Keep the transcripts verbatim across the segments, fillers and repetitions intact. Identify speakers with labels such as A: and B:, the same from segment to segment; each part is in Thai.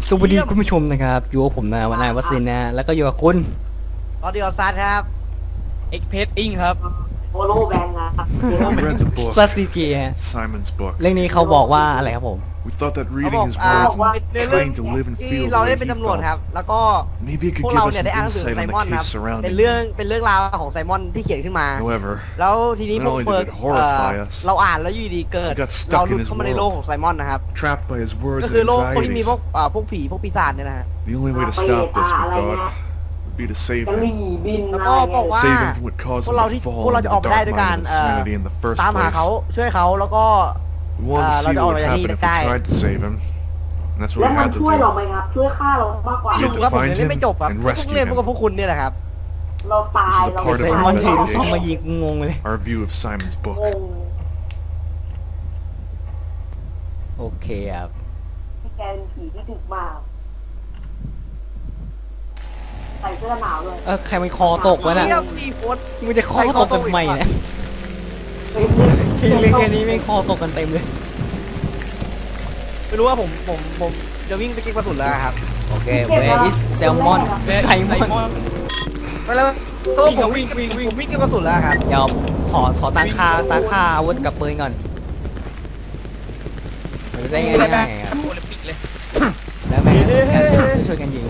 A: สวัสดีคุณผู้ชมนะครับอยู่กับผมนะวันนายวัสินนะแล้วก็อยู่กับคุณ
B: ตอนเดียวซัดครับเอ็กเพสอิงครับ
C: โอโลแบงครับ
D: I read the book,
A: ซัสซีจีฮะ
D: Simon's book.
A: เรื่องนี้เขาบอกว่าอะไรครับผม
D: We thought that
B: เขา
D: reading
B: บอก
D: his
B: อ่า
D: words
B: ใน
D: and
B: เรื่อง
D: trying to live and
B: ที่
D: feel
B: เรา
D: the
B: ได้
D: way
B: เป็น
D: he
B: ตำรวจครับ
D: felt.
B: แล้วก็
D: Maybe it
B: พ
D: could
B: วก
D: give
B: เรา
D: us
B: เนี่ย
D: some
B: ได้อ่านหนังสือ
D: insight
B: ไซ
D: on
B: มอน
D: the
B: ครับ
D: case
B: เป็น
D: surrounding
B: เรื่อง
D: him.
B: เป็นเรื่องราวของไซมอนที่เขียนขึ้นมา
D: However,
B: แล้วทีนี้
D: not
B: พวก
D: only did
B: เบิร์
D: it
B: ก
D: horrify
B: เอ่อ
D: us,
B: เราอ่านแล้วอยู่ดีเกิด
D: we got stuck
B: เราห
D: in
B: ลุด
D: his
B: เข้ามาในโลกของไซมอนนะครับ
D: trapped by his words
B: ก็
D: and
B: คือโลกพวกที่มี
D: anxieties.
B: พวกอ่าพวกผีพวกปีศาจเนี่ยนะฮะ
D: The only way to stop this, we thought, would be to save
C: กะห
D: him.
C: รี่บิน
B: แล้ว
C: อะไร
B: ก็บ
C: เงี้
B: อก
C: ย
B: ว่า
D: Save him from what caused
B: พว
D: him
B: กเรา
D: to
B: ที่
D: fall
B: พวกเรา
D: into
B: จะ
D: the
B: ออกไปได้
D: dark
B: ด้วยการ
D: mind of
B: เอ่อ
D: insanity in the first
B: ตามหาเขา
D: place.
B: ช่วยเขาแล้วก็
D: We wanted to
B: Ah,
D: see
B: เราจะ
D: what
B: ออก
D: would
B: ไปจากที่
D: happen if
B: ได้
D: we tried to save him. And that's
C: แล้ว
D: what we
C: มัน
D: had to
C: ช่วยเรา
D: do.
C: ไหมครับ ช่วยฆ่าเรามากกว่า
B: ไม่รู้ครับผมยังเล่นไม่จบครับ
D: And
B: เพิ่ง
D: rescue
B: เล่นพวก
D: him.
B: กับพวกคุณเนี่ยแหละครับ
C: เราตาย
D: This is a
C: เรา
D: part
A: ไซ
D: of
A: มอน
D: our
A: ถือลูกซองมา
D: investigation.
A: ยิงงงเลย
D: Our view of Simon's
C: ง
D: book.
C: ง
A: โอเคครับ
C: ที่แกเป็นผีที่ดึกมากใส่เสื้อหนาวเลย
A: เออใครมันคอตกวะน่ะ
B: เยี่ยมสี่คน
A: มึงจะคอตกกันทำไมเนี่ย
C: เฮ้ยเล่น
A: ทีเล่นแค่นี้ไม่คอตกกันเต็มเลย
B: ไม่รู้ว่าผมผมผมจะวิ่งไปเก็บกระสุนแล้วครับ
A: โอเค where is salmon ไซมอน
B: ไปแล้วตัวผมวิ่งวิ่งวิ่งวิ่งเก็บกระสุนแล้วครับ
A: เดี๋ยวขอขอตั้งค่าตั้งค่าอาวุธกับปืนก่อนมันได้ง่ายๆครับ
B: โอลิมปิกเลย
A: แล้วแม่ช่วยกันยิง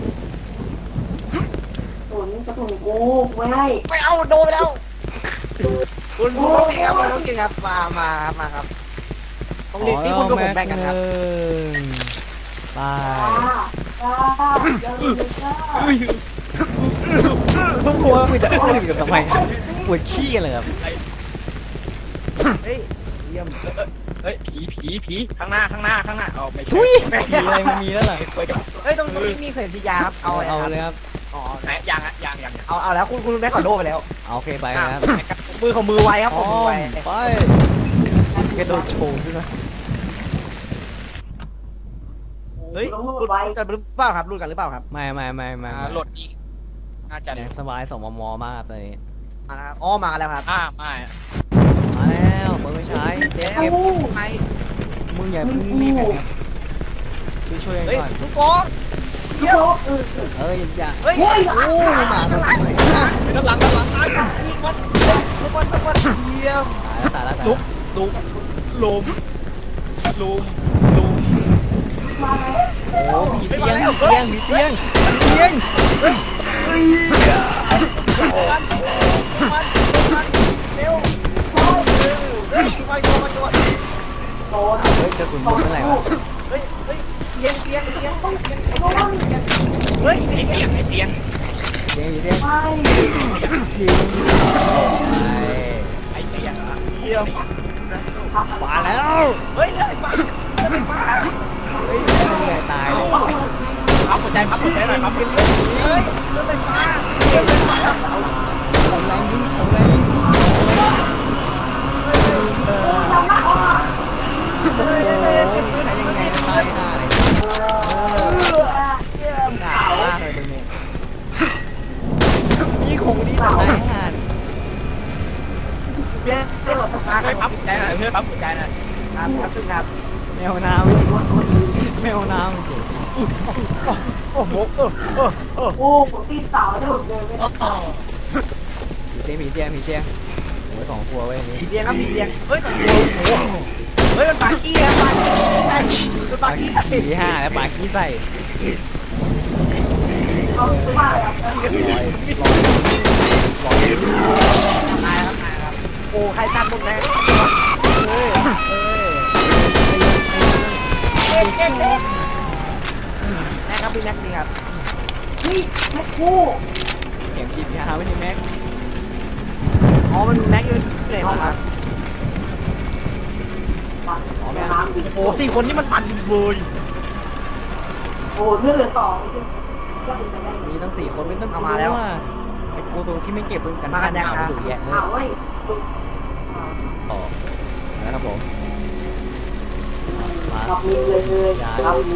C: กระสุนกระสุนกูไม่ให้
B: ไม่เอาโดนไปแล้วคุณคุณต้องแถมมาต้องกินครับมามาครับมาครับตรงนี้ที่คุณกับผมแบ่งกันครับ
A: ไป
C: จ้าจ้าอย่าลืมจ้า
A: ทุกคนมึงจะอื้อกับทำไมปวดขี้กันเลยครับ
B: เฮ้ยเยี่ยมเฮ้ยผีผีผีข้างหน้าข้างหน้าข้างหน้าเอาไป
A: ทุยมีอะไรมันมีแล้วเหรอ
B: เฮ้ยตรงนี้มีเข็มพิยาครับเอา
A: เอา
B: เอา
A: เอา
B: เล
A: เลย ยครับ
B: อ๋อไหนยังอ่ะยังยังเอาเอาแล้วคุณคุณแม่ขอโดไปแล้ว
A: เอาโอเคไปครับ
B: มือของมือไวครับผมมือไว
A: ไปกระโดดโชว์ใช่ไหม
B: เฮ้ย
C: ต้อง
B: ห
C: รู
B: ลุ
C: ด
B: ด
C: ไว้
B: กันหรือเปล่าครับหลุดกันหรือเปล่าครับ
A: ไม่ไม่ไม่ไม่
E: อ่าโหลดอีกน่าจะ
A: ยังสบายสองมมมากครับตอนนี้
B: มาแล้วครับอ๋อมาแล้วครับ
E: อ่าไม่
A: มาแล้วเปิดไม่ใช้เก็บ
B: เก็บไป
A: มึงอย่าเพิ่งรีบกันครับช่วยช่วยกัน
B: เฮ้ย
A: ก่อน
B: ทุกคน
C: เดี๋ยวเออ
A: เอ้ยอย่า
B: เฮ้ย
A: โอ้ยมาตรงไหน
E: ด้านหลังด้านหลัง
B: ยิงมันทุกคนทุกคนเยี่ยม
A: ตายแล้วตายแล้ว
B: ลุกลุกลุมลุมลุม
C: มาแล้ว
A: โอ้ผีเตียงผีเตียงผีเตียงผีเตียงเฮ้ยเอ้ย
B: มันมันเร็วเฮ้ยไปโดนมาโดน
C: โดน
A: เฮ้ยกระสุนหมดเมื่อไหร่วะ
B: เฮ้ยเฮ้ยเตียงเตียงเตียง
C: โดน
B: เฮ้ย
E: ไอเตียงไอเตียง
A: เตียงผีเตียง
C: ไม่
A: ยิงไป
E: ไอเตียงอ่ะ
B: เยี่ยม
A: มาแล้ว
B: เฮ้ยเลยมาเลยมา
A: เฮ้ยเหนื่อยตายเลย
E: พับหัวใจพับหัวใจหน่อยพับหัวใจ
B: เฮ้ยเลือดเลยมาเลือดเลยมา
A: ของแรงยิงของแรงยิงเออโอ้โหใช้ยังไงนะตายห่าเลยเออหนาวมากเลยตรงนี้มีของดีแต่ตายห่า
B: เลือดเลือดมา
E: เฮ้ยพับหัวใจหน่อยเพื่อนพับหัวใจหน่อย
B: ครับครับซึ่งครับ
A: แมวน้ำจริงแมวน้ำจริง
B: โอ้โหเออเออเออ
C: โอ้ผมตีสาวได้หมดเลยไม่ได้
A: ผีเตียงผีเตียงผีเตียงโอ้ยสองตัวไว้ยอันนี้
B: ผีเตียงครับผีเตียงเฮ้ยโอ้โหเฮ้ยมันปากี้อะปากี้มันปากี้
A: ผีห้าแล้วปากขี้ใส่
C: เอาไปบ้านแล้ว
A: ลอยลอยลอย
B: ตายครับตายครับโอ้ใครตัดมุกแน่
A: เฮ้ยเฮ้ย
B: เก่งเก่งเก่งแม่ครับพี่แม็กนี่ครับ
C: เฮ้ยแม่คู่
A: เข็มฉีดยาไม่ใช่แม็ก
B: อ๋อมันแม็กอยู่ในห้องครับ
C: ปัดอ๋อแม่น้ำดิ
B: โอ้สี่คนนี่มันปั่นเบย
C: โอ้เลือดเหลือสองก็เป็นไปได้
A: มีตั้งสี่คนไม่ต้องกลัวว่าไอ้กูตัวที่ไม่เก็บปืนกันบ้านเอาไปดูแยะเลย
C: อ้าวเว้ย
A: ต่อนะครับผมมา
C: ขับมีเลยเลยขับมี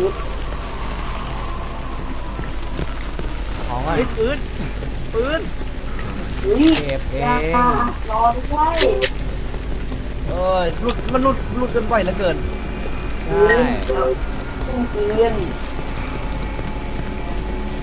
A: ของว่า
B: เฮ้ยปืนปืน
C: เฮ้ย
A: เก็บเอง
C: รอด้วย
B: เออหลุดมันหลุดหลุดกันบ่อยเหลือเกิน
A: ใช่
C: ตุ้งเตียน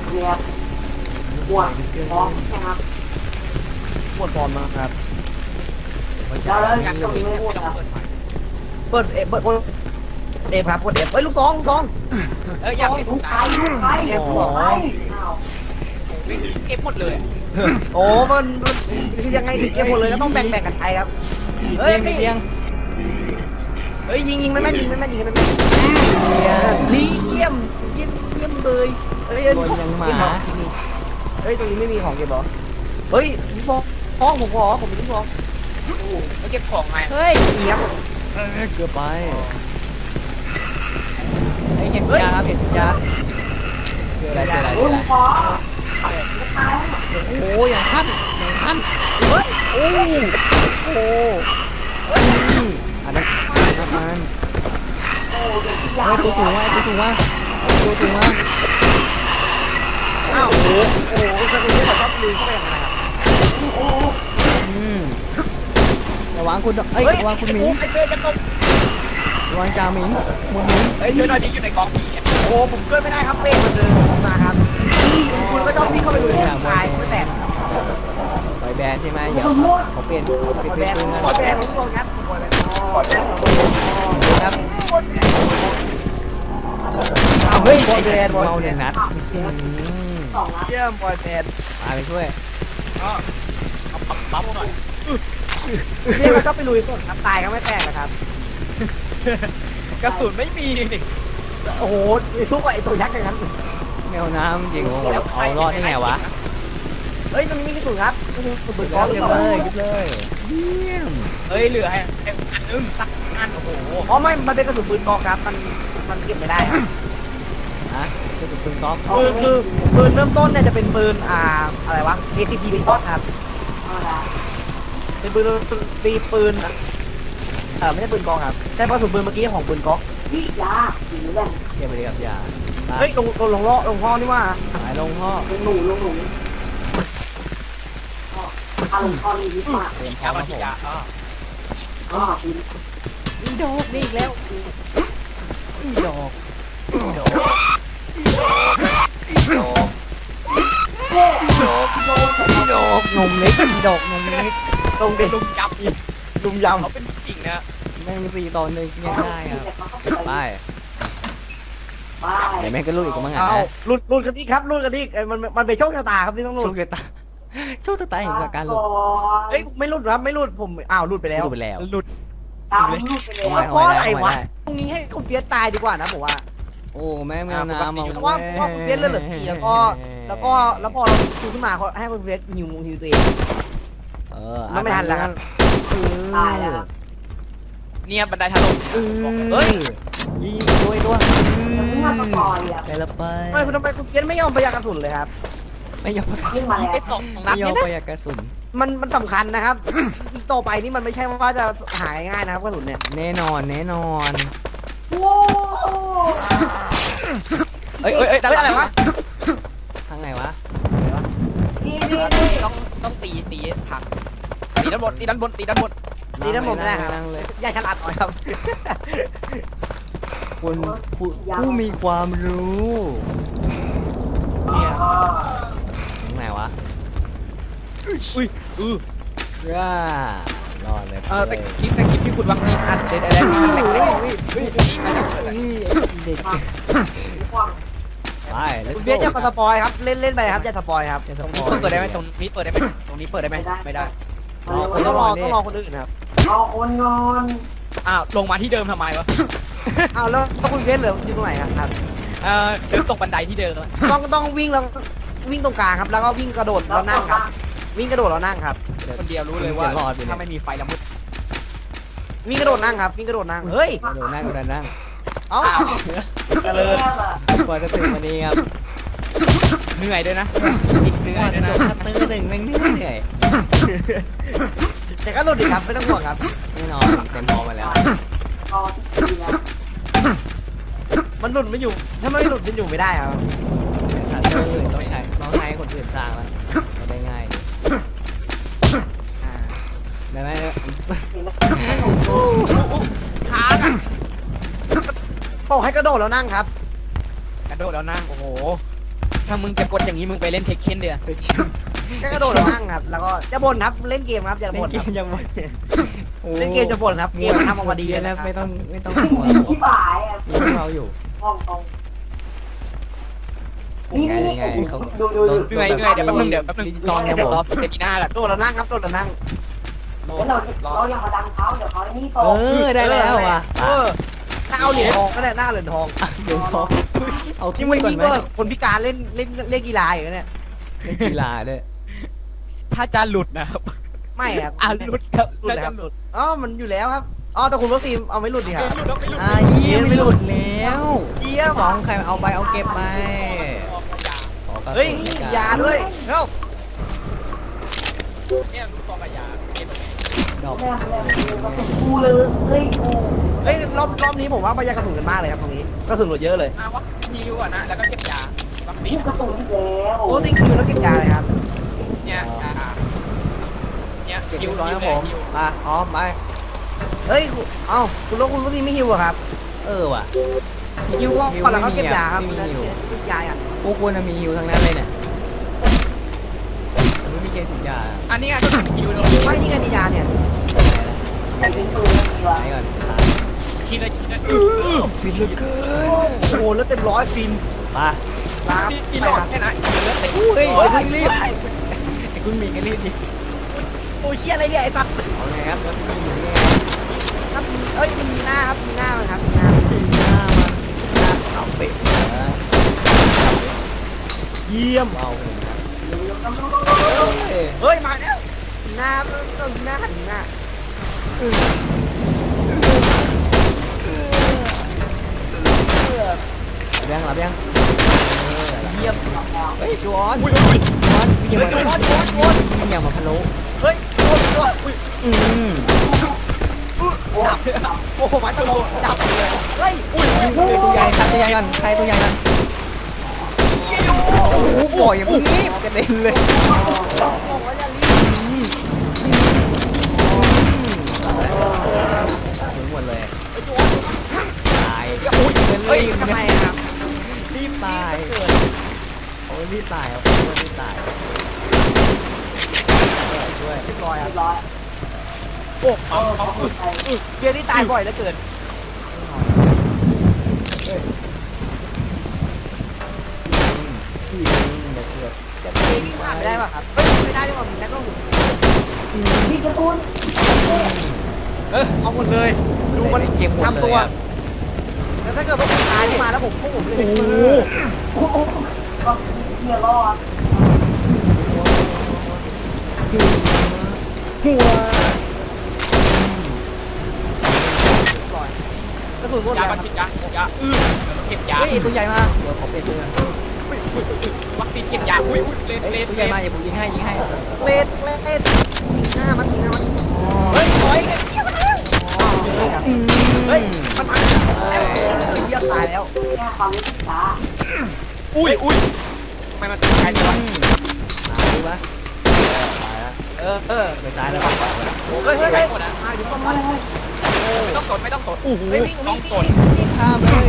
C: เนี่ยปวดท้องนะครับ
B: ปวดบอลมากครับ
A: ไม่ใช่
C: แล้ว
E: งานตรงนี้ไม่ต้องเปิดไฟ
B: เปิดเอฟเปิดเอฟครับกดเอฟเฮ้ยลูกซองลูกซอง
E: เอออยากเห็น
C: ลูก
E: ตา
C: ไปลูกไปเก็บหัวไปอ้าว
E: เก็บหมดเลย
B: โอ้มันมันคือยังไงถึงเก็บหมดเลยก็ต้องแบ่งแบ่งกันไปครับเฮ้ย
A: เลี้ยง
B: เฮ้ยยิงยิงไม่แม่นยิงไม่แม่นยิงไม่แม่นดีเยี่ยมเยี่ยมเยี่ยมเลยเฮ้ย
A: บนยังหมา
B: เฮ้ยตรงนี้ไม่มีของเก็บหรอเฮ้ยพี่บอลท้องผมขอผมเป็นพี่บอล
E: แล้วเก็บของไง
A: เฮ้ย
B: เนี้ย
A: เกือบไปไอ้เห็นสัญญาครับเห็นสัญญาเจออะไรเจออะไรเจ
C: โอ้
A: ออะไร
C: ยขอตายแล้ว
A: โอ้ยอย่างท่านอย่างท่าน
B: เฮ้ยโอ้โห
A: อันนั้นอันนั้น
C: โอ้ยที่ยา
A: เฮ้ยตัวสูงว่ะตัวสูงว่ะตัวสูงว่ะ
B: อ้าวโอ้โหโอ้โหสกุลที่เขาชอบลืมเข้าไปอย่างไรครับ
C: โอ้
A: อืมระวังคุณเอ้ยระวังคุณหมิง
E: ไอ้เพื่อนจะตก
A: ระวังจ่าหมิงมุนหมิง
E: เฮ้ยเพื่อนหน่อยดิอยู่ในกองผี
B: โอ้ผมเกินไม่ได้ครับเป้มันเดินมาครับคุณก็ชอบวิ่งเข้าไปดูในตายไม่แตก
A: ปล่อยแบนใช่ไหมเดี๋ยวเขาเปลี่ยนเปลี่ยน
B: ขอ
A: เป
B: แบ
A: ลี่ยน
B: น
A: ปืน
B: ขอ
A: นะ
B: แบนทุกคนครับขอแบนขอแบน
A: ครับ
B: เอาเฮ้ยบอลแบนบอล
A: เมา
B: แบ
A: เนี่ย
B: น
A: นัด
C: สองนัด
B: เยี่ยมบอลแบน
A: ตายไปช่วย
E: ก็เอาปั๊มปั๊มหน่อย
B: เรียกเราก็ไปลุยก่อนครับตายก็ไม่แตกนะครับ
E: กระสุนไม่มีนี่
B: โอ้โหทุกไอตัวยักษ์อย่างนั้น
A: แมวน้ำจริงโอ้โหเอารอดได้ไงวะ
B: เฮ้ยมันมีกระสุนครับกระสุนปืน
A: เก็
B: ก้อนหรือ
A: บ
B: เป
A: เล
B: ล่าย
A: เก็บเลยเยี่ยม
E: เฮ้ยเหลือให้อันนึงสักอันโอ้โห
B: อ๋อไม่มันเป็นกระสุนปืนกอกครับมันมันเก็บไม่ได้ครับ
A: ฮะกระสุนปืนก๊อก
B: คือคือปืนเริ่มต้นเนี่ยจะเป็นปืนอ่าอะไรวะ เอ ที พี เป็นก้อนครับ
C: เอาละ
B: เป็นปืนตีปืนเออไม่ใช่ปืนกองครับแต่กระสุนปืนเมื่อกี้ของปืนก๊อก
C: พี่ยาสีแดง
A: เก็บไปเลยครับอย่า
B: เฮ้ยลงลงลงล้อลงห้อนี่ว่า
A: หายลงพ่อ
C: ลงหนูลงหนูอารมณ์ตอนนี้ดีมาก
A: เตรียมพ
E: แค
A: ร้อม
E: มา
A: ครับ
E: ที่
A: ผม
E: ยาอ๋อ
C: อ๋อดี
A: อีดอกนี่อีกแล้วอีดอกอีดอกอีดอกอีดอกอีดอกนมเล็กอีดอกนมเล็ก
B: ตรงเด็ก
E: ลุงจับอีก
B: ลุมย
E: เขาเป็นจริงนะ
A: แม่งสี่ตอนหนึ่งยังได้ครับไป
C: ไป
A: เดี๋ยวแม่งก็ลุยอีกมั้ง
B: ำ
A: อ่ะ
B: เอาหลุดหลุดกันอีกครับหลุดกันอีกเอ้ยมันมันเป็นโชคชะตาครับที่ต้องหลุ
A: โช
B: ด
A: คชะตาโชคชะตาเห็นกับการหลุด
B: เอ้ยไม่หลุดครับไม่หลุดผมอ้าวหลุดไปแล้ว
A: หลุดไปแล้ว
E: หลุด
C: ตามลูกไปเลย
A: เอาไว้
B: เพราะ
A: เอา
B: อะไร
A: ไว้
B: วะ
A: ได้
B: ตรงนี้ให้คุณเฟียสตายดีกว่านะผมว่า
A: โอ้แม่งแมวน้ำ
B: เพราะว่าเพราะว่าคุณเฟียสเลือดเหลือสี่แล้วก็แล้วก็แล้วพอเราชูขึ้นมาเขาให้คุณเฟียสหิวหิวตัวเอง
A: เออ
B: มันไม่ทันแล้วครับ
C: ตายแล้ว
E: เนี่ยบันไดถล่ม
A: เออ
B: เฮ้ย
A: ยิงตัวตัว
C: เมื่อตะกอนอ่ะ
A: ได้ละไป
B: ทำไมคุณทำไมคุณเฟียสไม่ยอมประหยัดกระสุนเลยครับ
A: ไม่ยอม
C: ขึ้นมาแล้ว
E: ไปสองนั
A: ไม่
E: ด
A: ยอ
E: เนี่
A: ม
E: ย
A: ประ
E: นะ
A: หยัดกระสุน
B: มันมันสำคัญนะครับ อีกต่อไปนี่มันไม่ใช่ว่าจะหายง่ายนะครับกระสุนเนี่ย
A: แน่นอนแน่นอน
C: โอ้
E: เอ้ยเอ้ยเอ้ย
B: เฮ้ยอะไรวะ
A: ทางไหนวะ
C: ดีดีดี
E: ต้องต้องตีตีผักตีด้านบนตีด้านบนตีด้านบน
B: ตีทั้งหมดไม่ได้ครับ
A: นั่งเลย
B: อย่าฉลาดหน่อยครับ
A: คุณผู้ผู้มีความรู้เนี่ยทางไหนวะ
E: อุ้ยอือ
A: ร่ารอดเลย
E: เออแต่คลิปแต่คลิปที่คุณวางทีอัดเด็ดอะไรมันแหลกเลยนี่มันจะเกิดอะไร
A: นี่เด็กไป let's
B: คุณ
A: go
B: เฟียสอย่ามาสปอยครับเล่นเล่นไปครับอย่าสปอยครับ
A: อย่าส
E: ตรง
A: ป
E: นี้
A: อย
E: เปิดได้ไหมตรงนี้เปิดได้ไหมตรงนี้เปิดได้ไหมไม่ได้
B: ต้องรอต้องรอคนอื่นครับ
C: เอาโอนงอน
E: อ้าวลงมาที่เดิมทำไมวะ
B: อ้าวแล้วแล้วคุณเฟียสเหลืออยู่ตรงไหนครับ
E: เออเดินตกบันไดที่เดิมแล้ว
B: ต้องต้องวิ่งแล้ววิ่งตรงกลางครับ แล้วก็วิ่งกระโดดแล้วนั่งครับ วิ่งกระโดดแล้วนั่งครับ
E: คนเดียวรู้เลยว่า
A: จะรอดไป
E: ถ้า
A: เนี่ย
E: ไม่มีไฟละมุด
B: วิ่งกระโดดนั่งครับ วิ่งกระโดดนั่งเฮ้ย
A: กระโดดนั่งกระโดดนั่ง
B: เอ้า
C: เจริญ
A: กว่าจะถึงวันนี้ครับ
E: เหนื่อยด้วยนะอีกเหนื่
A: ก
E: อย
A: ว่า
E: ด้
A: จะ
E: วย
A: จ
E: นะ
A: บคัตเตอร์หนึ่งแม่งเหนื่อย
B: แต่ก็หลุดอีกครับไม่ต้องห่วงครับ
A: แน่นอนเต็มพอมาแล้ว
C: ตอนที่แล้ว
B: มันหลุดไม่อยู่ ถ้าไม่หลุดมันอยู่ไม่ได้ครับ
A: ชัตเตอร์ต้องใช้ต้องให้คนอื่นสร้างแล้วไม่ได้ง่ายได้ไหม
B: ค้างอ่ะบอกให้กระโดดแล้วนั่งครับ
E: กระโดดแล้วนั่งโอ้โหถ้ามึงจะกดอย่างนี้มึงไปเล่นเทคเคนเดียว
B: ก็กระโดดแล้วนั่งครับ แล้วก็จะบ่นครับเล่นเกมครับอย่า
A: เล่น
B: บ่น
A: เก
B: ครับ
A: มยังหมด
B: เล่นเกมจะบ่นครับเกมทำออกมาดี
A: แล้
B: แล้ว ว
A: ไม่ต้องไม่ต้อง
C: ที่บ่ายอ่ะ
A: มีพวกเราอยู่
C: ห้องตรง
A: ยังไงยังไงเขา
C: ดูดูดู
E: เหนื่อยเหนื่อยเดี๋ยวแป๊บนึงเดี๋ยวแป๊บนึง
A: ดิจิตอลครับ
E: เดี๋ยว
A: ผม
E: รอเซมินาแหละ
B: โดดแล้วนั่งครับโดดแล้วนั่ง
C: แล้วเราเรายังมาดังเขาเดี๋ยวเขาไอ้นี่โต
A: เออได้แล้วว่ะ
B: เออถ้าเอาเหรียญทองก็ได้หน้าเหรียญทอง
A: เดี๋ยวเขาเอา
B: ที่
A: ที่
B: ไม่
A: ไว้ก่อน
B: ยิ่ง
A: ไหม
B: ก็คนพิการเล่นเล่นเล่นกีฬาอย่างเนี้ย
A: เล่นกีฬาด้วย
E: ถ้าจะหลุดนะครับ
B: ไม่ครับ
E: อ่ะหลุดครับ
B: หลุด
E: ถ้า
B: ค
E: จะ
B: รับ
E: หลุด
B: อ๋อมันอยู่แล้วครับอ๋อแต่คุณวัคซีนเอาไม่หลุดดีครับ
E: ไม่หลุดแล้วไม่หลุด
A: อ่าเยี่ยมไม่หลุดแล้ว
B: เยี่ยม
A: สองใครเอาไปเอาเก็บไปขอกระสุน
B: เฮ้ย
A: ในการ
B: ยาด้วยเฮ้ย
E: เนี่ยลูกกองกับยาเก็บ
A: ดอก
C: แม่แม่ก็เป็นกูเลยเฮ้ยกู
B: เฮ้ยรอบรอบนี้ผมว่าประหยัดกระสุนกันมากเลยครับตรงนี้กระสุนหลุดเยอะเลย
E: มาวัดฮิวอ่ะนะแล้วก็เก็บยาวัคซี
C: กู
E: น
C: กระสุนแล้ว
B: โอ้ติงคิวแล้วเก็บยาเลยครับ
E: เนี่ยอ่าเนี่ย
A: เก็บ
E: ฮิ
A: เรี
E: วย
A: บร้อยครับ
E: ฮิ
A: ผ
E: ว
A: ม
E: ฮิว
A: มาพร้อมไป
B: เฮ้ยคุณเอ้าคุณแล้วคุณวัคซีนไม่ฮิวอะครับ
A: เออว่ะ
B: ฮิวก็ก่อนแล้วเขาเก็บยาครับ
A: ไม่มีฮิว
B: เก็บยาอ่ะ
A: พวกคุณน่ะมีฮิวทั้งนั้นเลยเนี่ยแต่ไม่มีเกณฑ์สินยา
E: อันนี้ก็ฮิวตรงนี้
B: ไม่นี่ไงมียาเนี่ย
C: แต่เป็นปืนไม่มีวะ
A: ไหนก่อน
E: คิดเลยคิดเลย
A: ฟินเหลือเกิน
B: โอ้โหแล้วเต็มร้อยฟิน
A: มา
B: ครับ
E: กินหลอดแค่นั้นคิดเลย
A: เฮ้ยอย่าเพิ่งรีบไอ้คุณมีกันรีบดิ
B: โอ้ยเชี่ยอะไรเนี่ยไอ้สัตว์
A: เอาไงครับแล้วคุณอยู่นี่
B: ครับเอ้ยมันมีหน้าครับมีหน้ามันครับมีหน้า
A: ตีหน้ามันหน้าเอาเป็ดนะ
B: เยี่ยม
A: เอาเลยครับเฮ้ย
B: เฮ้ยมาแล้วมีหน้ามันต้องมีหน้าหันมีหน้า
A: หลับยังหลับยัง
B: เยี่ยม
A: เฮ้ยจวน
E: อุ้ยอุ้ย
A: จวนมีอย่าง
B: เฮ้ย
A: มา
B: โดนโดนโดน
A: มีอย่างมาพะโล้
B: เฮ้ยโดนโดนอุ้ย
A: อืม
B: จับโอ้โหมาตลกจับเลยเฮ้ยอุ้ย
A: ตัวใหญ่ครับตัวใหญ่กันใครตัวใหญ่กันโอ้โหบ่อยอย่าเพิ่งรีบกระเด็นเลย
B: บอกว่าอย่ารีบ
A: ถึงหมดเลย
B: ไอ้โดน
A: ตาย
B: อุ้ย
A: เงิน
B: เฮ้ย
A: รีบ
B: ทำไมครับ
A: รีบตายโอ้รีบตายเอารีบตายช่วย
B: เรียบร้อยครับ
C: ร้อย
E: โอ้เอาเอา
C: ไป
B: เบียร์ที่ตายบ่อยเหลือเกิน
A: พี่อย่าเสือกจะ
B: เบียร์วิ่งผ่านไม่ได้ป่ะครับเฮ้ยไม่ได้ด้วยว่ะมีนักต้อง
C: ที่กระตุ้น
B: เออเอาหมดเลย ดูมัน
A: เกมหมด
B: ทำ
A: เล
B: ตัวย
A: อะ
B: แล้วถ้าเกิดว่าผมตายขึ้นมาแล้วผมพวกผมจะเป็นมือ
C: โอ้โหก็เฮียรอด
A: หัว
B: กระสุนหมด
E: ยา
B: แล้ว
E: บันทิดยายาอือเก็บยา
A: เฮ้ยตัวใหญ่มาเดี๋ยวขอเปลี่ยนตัว
E: วัคซีนเก็บยาอุ้ยอุ้ยเลน
A: เฮ้ย
E: เลน
A: ตัว
E: เล
A: ใหญ่
E: น
A: มาอย่าผมยิงให้ยิงให้
B: เลดเลดยิงหน้ามันยิงหน้ามันเฮ้ยถอยกันเยี่ยมแล้วเฮ้ยมันมาแล้วเยี่ยมตายแล้ว
C: แค่ความรู้สึกช้า
E: อุ้ยอุ้ยทำไมมันติดใจจัง
A: ตายดูปะตายแล้ว
B: เออเออ
A: ไปซ้ายแล้วไปขวาแล้ว
B: เฮ้ยเฮ้ยเฮ้ยมาอยู่ต้นไม้
E: ต้องกดไม่ต้องกดโอ้โห
B: เฮ้ยวิ่ง
E: ต้
B: วิ่
E: อง ง
B: วิ่
E: ก
B: ง
E: ด
B: วิ่ง
A: ข้ามเลย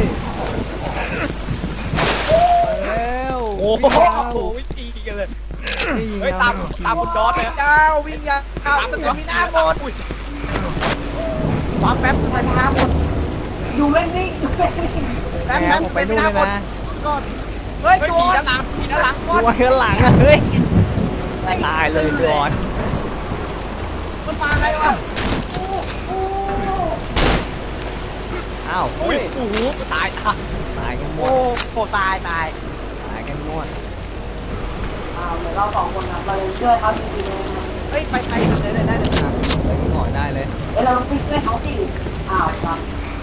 A: แล้ว
E: โอ้โห
A: วิ่งแล้ว
E: วิธีกันเลย
A: วิ่ง
E: เฮ้ย
A: แล้ว
E: ตามตามคุณจอร์ดเลย
B: เจ้าวิ่งยาเอาตึกมีหน้าหมด
E: อุ้ย
B: รอแป๊บตึกมีหน้าหมด
C: อยู่ไม่นิ่งอยู่ไม่นิ่ง
B: แป๊บ
A: แหม
B: แป๊บ
A: ผมไปนู่นเลยนะ
B: ก่อนเฮ้ย
E: เฮ้ย
B: โจ
E: มี
B: ร
E: ด้านหลังมีด้านหลัง
A: ตัวข้างหลังอะเฮ้ยตายเลยจอน
B: มันมาไงวะ
A: อ้าว
E: อุ้
A: เฮ้
E: ย
A: ย
E: โอ้โหตายตาย
A: ตายกันหม
B: โอ้
A: ด
B: โหตายตาย
A: ตายกันหมด
C: อ้าวเดี๋ยวเราสองคนครับเราจะช่วยเขาจริงๆเลยนะ
B: เฮ้ยไปไปได้ได้ได้เลยครับ
A: ไปที่หมอได้เลย
C: เดี๋ยวเราไปช่วยเขาสิอ้าวครับ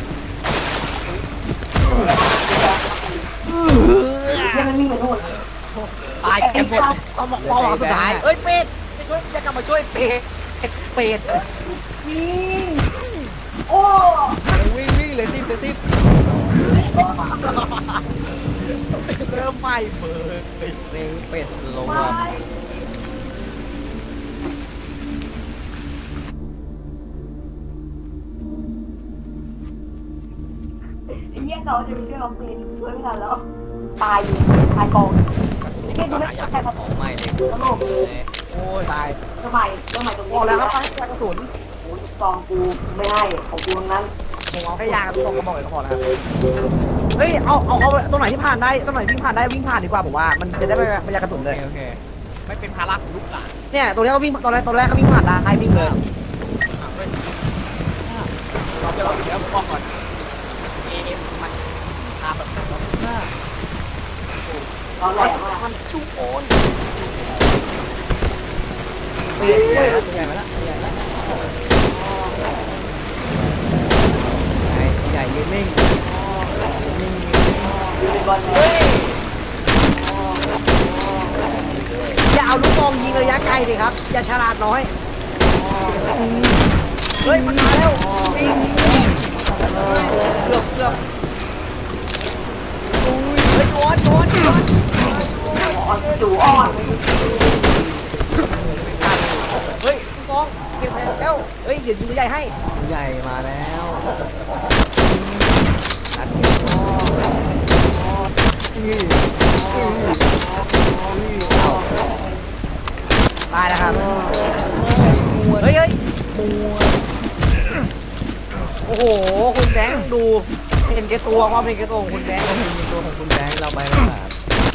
C: ยังไม่มีเหมือนนู่น
B: ตายกันหมดต้องบอกปอสุดท้ายเฮ้ยเป็ดจะช่วยจะกลับมาช่วยเป็ดเป็ด
C: วิ่งโอ้
A: วิ่งวิ่งเลยสิเลยสิ
B: เริ่มไหม้เบิร์ด
A: เซ็งเป็ดลง
C: ไม่
A: มา
C: ไอ้เหี้ยเราจะไปช่วยเราเฟนช่วยไม่ทันแล้ว ตายอยู่ตายกองเช่นดูไม่ใช่ครับ
E: ไม่เลย
C: กระโหลกเลย
B: โอ้ยตาย
C: เรื่องใหม่เรื่องใหม่ตรง
B: บ
C: นี้
B: อกแล้วครับไปกระสุน
C: โอ้ยซองกูไม่ให้ของกูทั้งนั้น
B: ผมเอาแค่ยางกระสุนก็บอกเลยก็พอแล้วครับเฮ้ยเอาเอาเอาตรงไหนที่ผ่านได้ตรงไหนวิ่งผ่านได้วิ่งผ่านดีกว่าผมว่ามันจะได้ไม่ไม่ยากระสุนเลย
E: โอเคไม่เป็นภาระของลูกหลาน
B: เนี่ยตัวนี้ก็วิ่งตอนแรกตอนแรกก็วิ่งผ่านได้วิ่งเลย
E: เราจะเราเดี๋ยวบอกก่อนเอฟมันพาแบบ
C: ตอนแรกมาก
E: มันชุ่มโอน
B: ตัวใหญ่ตัวใหญ่มาแล้วตัวใหญ่แล้ว
E: ใหญ่ยืนนิ่ง
C: อยู่ในบอลเลย
B: อย่าเอาลูกซองยิงระยะไกลดิครับอย่าฉลาดน้อยเฮ้ยมันมาแล้ววิ่งเกือบเกือบเฮ้ยโดนโดนโดน
C: อ่อนจู่อ่อน
B: เฮ้ยลูกซองเก็บแล้วเฮ้ยเดี๋ยวยิงตัวใหญ่ให้
E: ใหญ่มาแล้วเอา
B: ตายแล้วครับเฮ้ยเฮ้ยโอ้โหคุณแบงค์ดูเห็นแกตัวความเห็นแกตัวของคุณแบงค์
E: เห็นตัวของคุณแบงค์เราไปแล้วครับ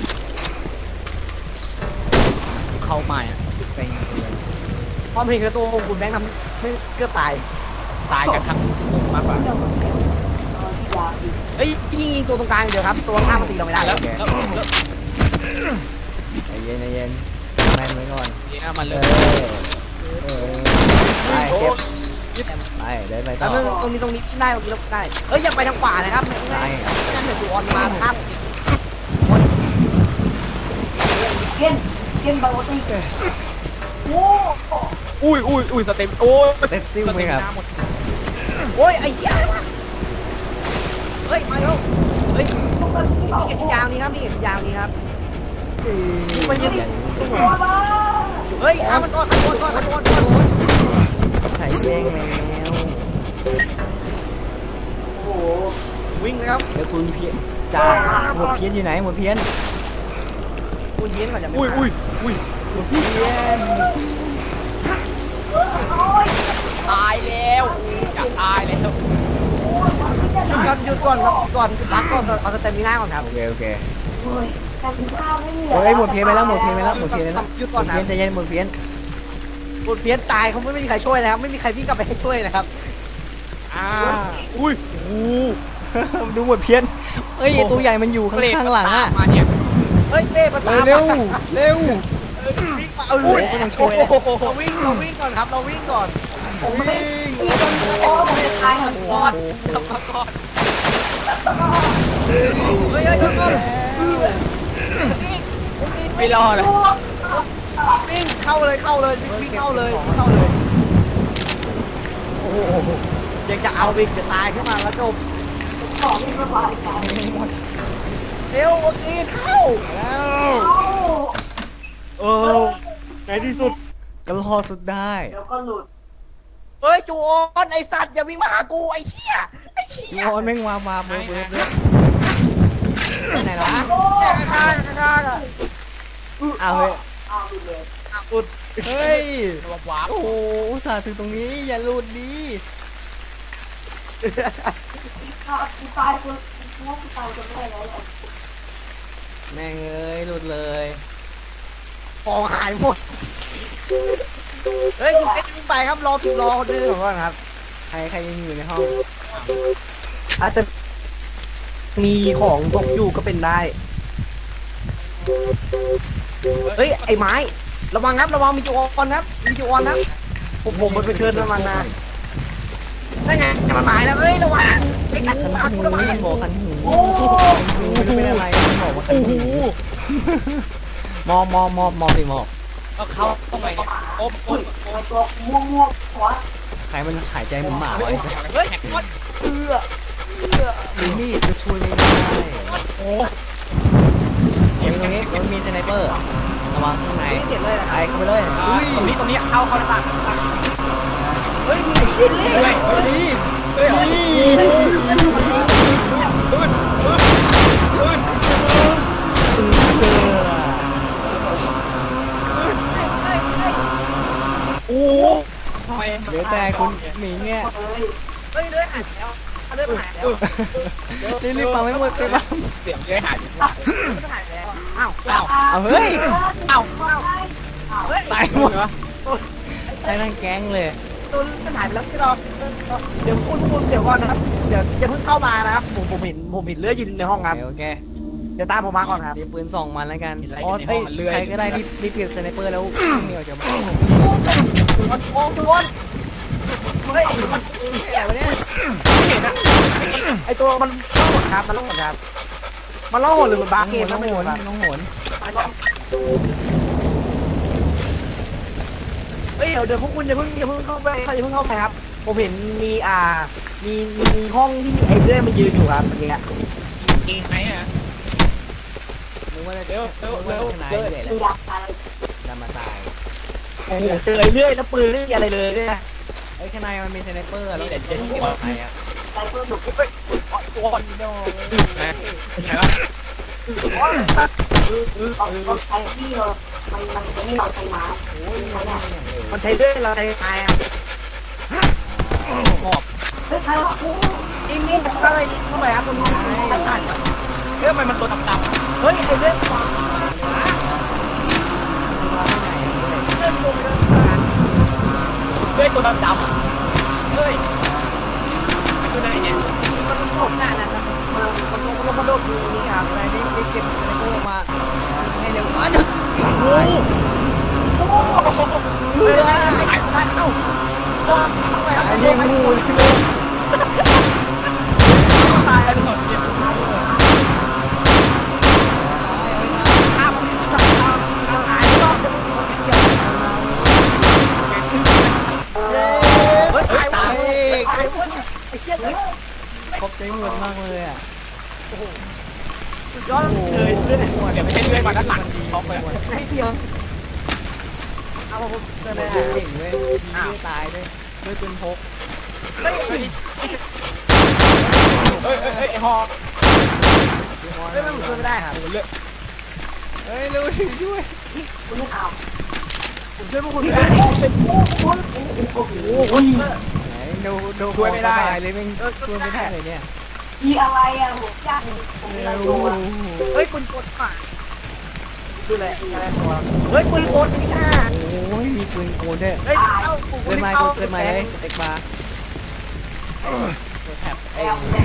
E: เข้าใหม่เป็น
B: ความเห็นแกตัวของคุณแบงค์ทำไม่เกือบตาย
E: ตายกันทั้งวงมากกว่า
C: ยาอีก
B: เฮ้ยยิงยิงตัวตรงกลางเดียวครับตัวข้างมันตีเราไม่ได้แล้ว
E: ใจเย็นใจเย็นแม่นไว้ก่อน
A: นี่นะมัน
E: เอ
A: เล
E: อยเออไปเก็บไปเดินไปต่
B: แล้
E: อ
B: วตรงนี้ตรงนี้ที่ได้ตรงนี้เราได้เฮ้ยอย่าไปทางขวานะครับไม่งั้นไม่งั้นเดี๋ยวตัวออนมาครับ
C: เช่นเช่นบางทีโอ้
A: อุ้ยอุ้ยอุ้ยสเต็มโอ้ย
E: เต็ดซิ่วไหมครับ
B: โอ้ยไอ้เหี้ยเฮ้ยมาเร็วเฮ้ย
C: พวกมันที่
B: นี่
C: บอก
B: เก็บยาวนี้ครับนี่เก็บยาวนี้ครับยิงไปยิง
C: ตัวมา
B: เฮ้ยข้ามันก่อนข้ามันก่อนข้ามันก่อน
E: ใช้เบ้งแล้ว
C: โอ้โห
B: วิ่งเลยครับ
E: เดี๋ยวคุณเพี้ยนจ่าหมวดเพี้ยนอยู่ไหนหมวดเพี้ยน
B: คุณยิงก่อนอย่าไม่
A: อุ้ยอุ้ยอุ้ย
E: หมวดเพี้ยน
A: ตายแล้วจะตายแล้ว
B: หยุดก่อนหยุดก่อนครับก่อนพักก่อนเอาสเต็มมีหน้าก่อนครับ
E: โอเคโอเค
C: เฮ้ยการกินข้าวไม่เหลือ
E: เฮ้ยหมวดเพี้ยนไปแล้วหมวดเพี้ยนไปแล้วหมวดเพี้ยนไปแล้ว
B: หยุด
E: หม
B: ก่อ
E: วน ด
B: นะ
E: เพี้ยนใจเย็นหมวดเพี้ยน
B: คุณเพี้ยนตายเขาไม่มีใครช่วยนะครับไม่มีใครวิ่งกลับไปให้ช่วยนะครับ
A: อ่าอุ้ยโอ้
E: ดูหมวดเพี้ยนเอ้ยตัวใหญ่มันอยู่ข้างข้างหลังอ่ะ
A: มาเนี่ย
B: เฮ้ยเต้มาตาม
E: เร็วเร็ว
B: วิ่งมาเออ
E: โอ้โหไม่ต้องช่วยแล้ว
B: เราวิ่งเราวิ่งก่อนครับเราวิ่งก่อน
E: ผมไม่
C: โอ้ผมจะตายหัน
B: ก่อนกลับมาก่อนเฮ้ยเฮ้ยเฮ้ยเฮ้ยวิ่งวิ่ง
A: ไม่รอดเลย
B: วิ่งเข้าเลยเข้าเลยวิ่งเข้าเลยเข้าเลยโอ้โหยังจะเอาวิ่งจะตายขึ้นมาแล้วจบ
C: ของที่ระบายกัน
B: เร็วโอเคเข้า
E: แล้ว
A: เออในที่สุด
E: ก็รอดสุดได้
C: เดี๋ยวก็หลุด
B: เฮ้ยจูออนไอสัตว์อย่าวิ่งมาหากูไอเชี่ยไอเชี่ย
E: ย้อนแม่งวางมาเบิร์ดเบิร์ดเบิร์ดไปไหนแล้ววะ
B: ข้างข้างอ่ะ
E: อ้าวเฮ้ย
C: อ้าวหลุดเลย
B: อุด
E: เฮ้ย
A: ระวัง
E: โอ้โหอุตส่าห์ถึงตรงนี้อย่าหลุดดี
C: ข้าวกูตายคนกูว่ากูตายคนแรกแล้ว
E: แม่งเอ้ยหลุดเลย
B: ของหายหมดเฮ้ยคุณเต้วิ่งไปครับรอรอคนนึงก่อนครับ
E: ใครใครยังอยู่ในห้อง
B: อาจจะมีของตกอยู่ก็เป็นได้เฮ้ยไอ้ไม้ระวังครับระวังมีจูออนครับมีจูออนครับผมผมมันไปเชิญมันมาได้ไงมันหมายแล้วเฮ้ยระวังไอ้กัน
E: คัน
B: ระวัง
E: หู
B: ระวัง
E: บอกคันหูไม่รู้เป็นอะไรบอกว่าคันหูมอบมอบมอบมอบสิมอบ
A: ก็เข้าเข้าไปเนี่ยโอ๊บโอ๊บโอ๊
C: ไอ้
A: บ
C: ตัวม่วงม่วงหัว
E: ใครมันหายใจเหมือนหมาไว้
A: เฮ้ยโอ๊บ
E: เอื้อเอื้อมีมีดก็ช่วยไม่ได้
A: โอ้
E: เอ็มตรงนี้มันมีสไนเปอร์ระวังข้างใน
B: เจ็บเลยนะ
E: ไปเข้าไปเลยอุ้ย
A: ตรงนี้ตรงนี้เข้าเข้าหน้าต่าง
B: เฮ้ยมีชิลลี่
E: เฮ้ยเฮ้ย
A: เฮ้ย
E: เฮ้ย
A: ปืนปืนปืน
E: เอื้อ
B: ทำไม
E: เหลือแต่คุณหมิงเนี่ย
C: เอ้ย
B: เฮ้ยเลือดหายแล้วเลือดหายแล้ว
E: รีบรีบปังไม่หมดไปบ้าง
B: เสียงเลือดหายแล้วเลือดหายแล้วอ้าวอ้าว
E: เอาเฮ้ย
B: อ้าวอ้าวเฮ้ย
E: ตายหมดตายทั้งแก๊งเลย
B: ตัวเลือดหายไปแล้วที่เราเดี๋ยวคุณคุณเดี๋ยวก่อนนะครับเดี๋ยวอย่าเพิ่งเข้ามานะครับผมผมเห็นผมเห็นเลือดยืนในห้องครับ
E: โอเค
B: เดี๋ยวตามผมมาก่อนครับ
E: ดีปืนส่องมันแล้วกัน
B: เห็นอะไร
E: อ๋อ
B: กันในห้
E: เอ้
B: อย งมันเลื่อย
E: ใครก็ได้รีบรีบเก็บสไนเปอร์แล้วเหนียวจะมา
B: โอ้จวนเฮ้ยมัน
E: อะไรวะเนี่ย
B: ไม่เห็นอะไอตัวมันล่องหนครับมันล่องหนครับมันล่องหนหรือมันบา
E: น้อง
B: เก
E: โห
B: ม
E: นน้อง
B: ไม่
E: โห
B: รู้
E: น
B: ครับ
E: น้องโหน
B: เฮ้ยเดี๋ยวเดี๋ยวพวกคุณอย่าเพิ่งอย่าเพิ่งเข้าไปอย่าเพิ่งเข้าไปครับผมเห็นมีอ่ามีมีห้องที่ไอ้เรื่อยมันยืนอยู่ครับเมื่อกี้จริงไหมอ่ะ
E: นึกว่าจะ
B: เร็วเร็วเร็ว
E: ชนะ
B: เร็ว
E: เลยแห
C: ดู
E: ละ
C: อยากตาย
E: จะมาตาย
B: โอ้โหเจอไอ้เรื่อยแล้วปืนไม่มีอะไรเลยเนี่ย
E: ไอ้ข้างในมันมีสไนเปอร์แล้วเดี๋ยวจะยิงใครอ่ะ
C: ตายเพื่อหนุก
B: เฮ้ยตัวอ่อนโดนนะไหนวะ
C: เอาเอาใช้ที่เลยมันมันจะไม่นอนใช้ไม้
E: โอ้ยมันอย่างเร็ว
B: มันใช้เรื่อยเราใช้ตายอ่ะหอบ
C: เฮ้ยใครวะโอ้
B: นี่นี่มันอะไรเข้าไปครับตรงนี้เรื่องมันมันตัวดำๆเฮ้ยไอ้เรื่องเรื่องตัวเรื่องตัวดำๆเฮ้ยตัวไหนเนี่ยมันโดดหน้านะครับมันมันมันโดดอยู่นี่ครับ
E: อะไรนี่รีบเก็บสไนเปอร์มาให้เร็วอ่ะดึก
B: โอ้โห
E: เออ
B: หายไปเอ้าตัวทำไมครับ
E: ไอ้เลี้ยงงูเลยเลย
B: ตายแล้วหมดเจ็บข้ามหายรอบจะมีคนเดียว
E: เย้
B: เฮ้ยตาย
E: ไป
B: ตาย
E: อีก
B: ตายเว้ยไอ้เหี้ยเลย
E: ขอบใจหมดมากเลยอ่ะ
B: สุดยอดเลยเพื่อนเดี๋ยวไม่ใช่เพื่อนมาด้านหลังท็อปไปหมดให้เดียวเอาผมเจอเลย
E: เก่งเว้ยยิงไม่ตายด้วยด้วยปืนพก
B: เฮ้ยเฮ้ยเฮ้ยเฮ้ยฮอเฮ้ยมันช่วยไม่ได้ค่ะผมเลือก
E: เฮ้ยเร็วช่วยช่วย
C: คุณไม่เอา
B: ผมช่วยพวกคุณไม่ได้เป็น
C: โอ้โหโอ้โห
B: โอ้ย
E: ไหนดูดู
B: ช่วยไม่ได้
E: ตายเลยแม่งช่วยไม่ได้เลยเนี่ย
C: มีอะไรอ่ะหัวจ้างผม
E: เร็
C: ไม่
E: ว
C: รู้อ่ะ
B: เฮ้ยปืนกดป่ะดูแลอะไรตัวเฮ้ยปืนกดนี่ค่ะ
E: โอ้ยมีปืนโกนด้วย
B: เฮ้ยเอ้า
E: เกินมาเกินมาเลยเต็กมาตัวแท็บไอ้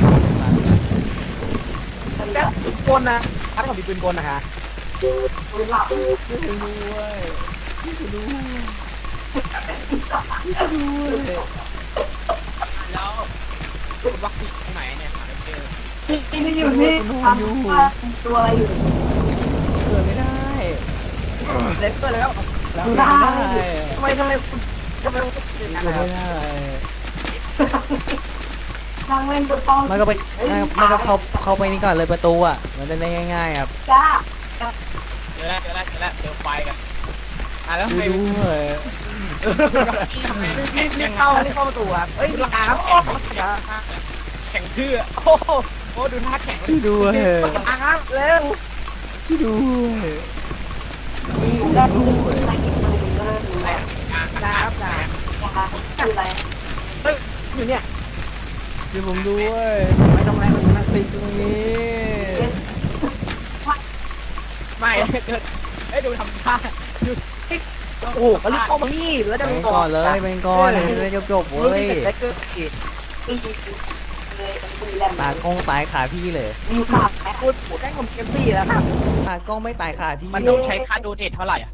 B: แล้วปืนกลนะถ้าผมมีปืนกลนะคะ
C: คุณหลับ
E: ช่วยด้วยช่วยด้วยช่วยด้วย
B: แล้วคุณวัคซีนตรงไหนเนี่ยหาไม่เจอ
C: ที่ไม่อยู่นี่ทำตัวอะไรอยู่
E: เกิดไม่ได้
B: เล็กเกินแล้ว
E: แล้ว
C: ได้
E: ไม่ได้
B: ทำไมทำไมคุณทำไมคุณเป็นอย่าง
E: เกิ
B: นั้
E: ด
B: น
E: ไม่
B: ครับ
E: ได้
C: นั่งเล่นบนโต๊ะ
E: มันก็ไปมันก็เข้าเข้าไปนี่ก่อนเลยประตูอ่ะมันจะได้ง่ายๆครับ
C: จ้า
B: เจอแล้วเจอแล้วเจอแล้วเจอไฟกันอ่ะแล้ว
E: ช่วย
B: ไง
E: ด้วย
B: นี่นี่เข้านี่เข้าประตูครับเฮ้ยราคาครับแข่งแข่งเพื่อโอ้โหโอ้ดูท่าแข่ง
E: ช่วยด้วย
B: อ่ะครับเร็ว
E: ช่วยด้วย
C: มีได้ดูไม่กินเลยก็เลยดูแล
B: นะครับนะ
C: นะคะคืออะไร
B: เฮ้ยอยู่เนี่ย
E: ช่วยผมด้วย
B: ไม่ต้องอะไรมัน
E: ติดตรงนี้
B: ไม่เกิดเฮ้ยดูทำท่าดูโอ้โหมันรีบเข้ามานี่แล้วจะ
E: ไปก่อนเลยไปก่อนจะได้จบๆเว้ย
B: เกิดอีก
C: ที่เลยเป็นคุยแลม
E: ตากล้องตายขาพี่เลย
C: มีขาดแอป
B: พูดพูดได้ผมเกมซี่แล้วครับ
E: ตากล้องไม่ตายขาพี่
B: มันต้องใช้ค่าโดเนทเท่าไหร่อ่ะ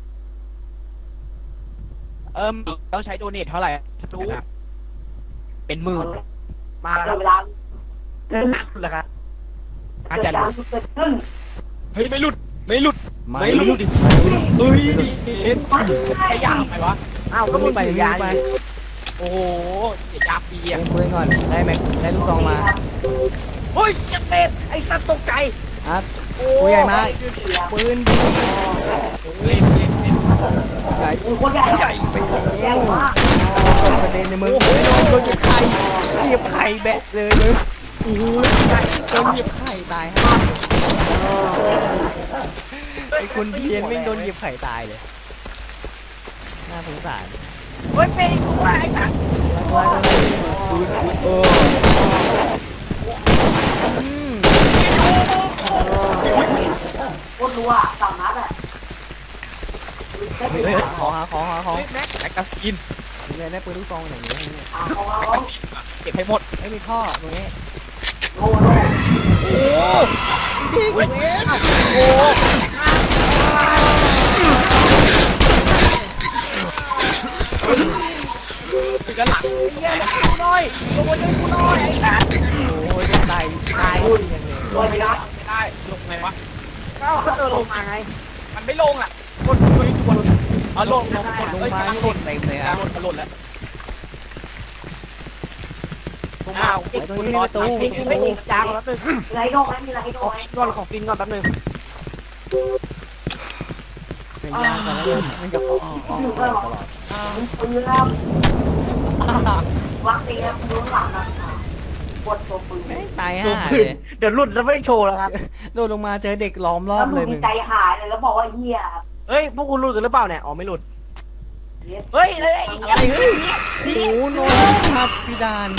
B: เอิมต้องใช้โดเนทเท่าไหร่รู้เป็นหมื่นมา
C: เว
B: แล้ว
C: ลา
B: เกินหนักเลยครับอา
C: เกิ
B: จา
C: ด
B: รย์
C: การเกิดขึ้น
B: เฮ้ยไม่หลุดไม่หลุด
E: ไม่
B: ไม่หลุดดิเฮ้ยใช้ยาไปวะอ้าวก็มึง
E: ไป
B: ถือ
E: วิ่
B: ยาง
E: ไป
B: โอ้โหเสียยาปี
E: เล่
B: อ่ะ
E: นปืนก่อนได้แม็กได้ลูกซองมา
B: เฮ้ยจะเตะไอ้สัตว์ตกใจ
E: อ่ะตัวใหญ่มากปืน
B: เล่นเล่นเล่น
E: ใหญ่
C: โคตรใหญ่
E: ใหญ่ไป
C: ใหญ่
E: แล้ว
C: มาก
E: ประเด็นในมือโอ้ยโดนโดนเหยียบไข่เหยียบไข่แบะเลยเลย
B: โอ้โห
E: โดนเหยียบไข่ตายฮะไอ้คนเพี้ยนไม่งโดนเหยียบไข่ตายเลยน่าสงสาร
B: เฮ้ยเป็นตัวไอ้สัตว์
E: ไล่ไล่เอออืม
C: โคตรรัวสามนัดอ่ะ
E: เฮ้ยขอหาขอหาของ
B: เฮ้ยแม็กแม็กกาซีน
E: เลยได้ปืนลูกซองอย่างนี้
C: อ่าของ
B: แม็ก
C: เรา
B: กาซีนอะเก็บให้หมด
E: ไม่มีท่อตรงนี้
C: โง่โง่
E: ดีกว่าเอง
B: โอ้ถึงกันหลังเฮียกูน้อยตัวช่วยกูน้อยไอ้สัตว์
E: โอ้ยตายตายอย่างเลย
C: โดนไปแล้ว
B: ไม่ได้ลงไงวะก็เขาเดินลงมาไงมันไม่ลงอ่ะกดตัวนี้กดเอาลงลงกด
E: ลง
B: เอ้ย
E: มา
B: ลง
E: เด็กเต็มเลย
B: ก
E: ค
B: ลา
E: รั
B: ง
E: บ
B: ลงกระโดดแล้วอ้าวเก็บคุณรอตู้ไม่ติดจางแล้วนึง
C: มีไรโดนไหมมีไรโด
B: ขอน
C: ไหม
B: กินก่อนของกินก่อนแป๊บนึง
E: ใช้ยางกันแล้วมันจะออกออกตลอด
C: มึงปืนแล้ววัคซีนแล้วมึงหลังนะปวดตัวปืน
E: ไม่ตาย
B: ดู
E: ห่า
B: ปื
E: เล
B: น
E: ย
B: เดี๋ยวหลุดแล้วไม่โชว์แล้วครับ
E: โดนลงมาเจอเด็กล้อมรอ
C: แล้
E: บ
C: วมึ
E: เลย
C: ง
E: มึง
C: ใจหายเลยแล้วบอกว่าเฮีย
B: เฮ้ยพวกคุณหลุดกันหรือเปล่าเนี่ยอ๋อไม่หลุดเฮ้ยเฮ้ย
E: อะไรเฮ้ยโอ้โหโนนครับพี่ดาน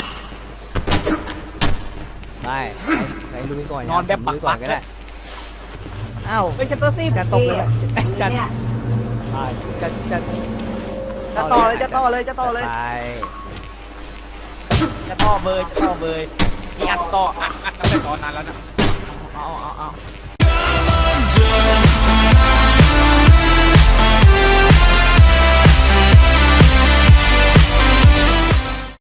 E: ไปไปลุยก่อนลุยก่อนก็ได้อ้าว
B: เฮ้ยชัตเตอร์ซี่
E: จะตกเลยจะจะจะจะ
B: จะต่อเลยจะต่อเลยจะต่อเลย
E: ไป
B: จะต่อเบยจะต่อเบยมีอัดต่ออัดอัดตั้งแต่ตอนนั้นแล้วนะเอาเอาเอา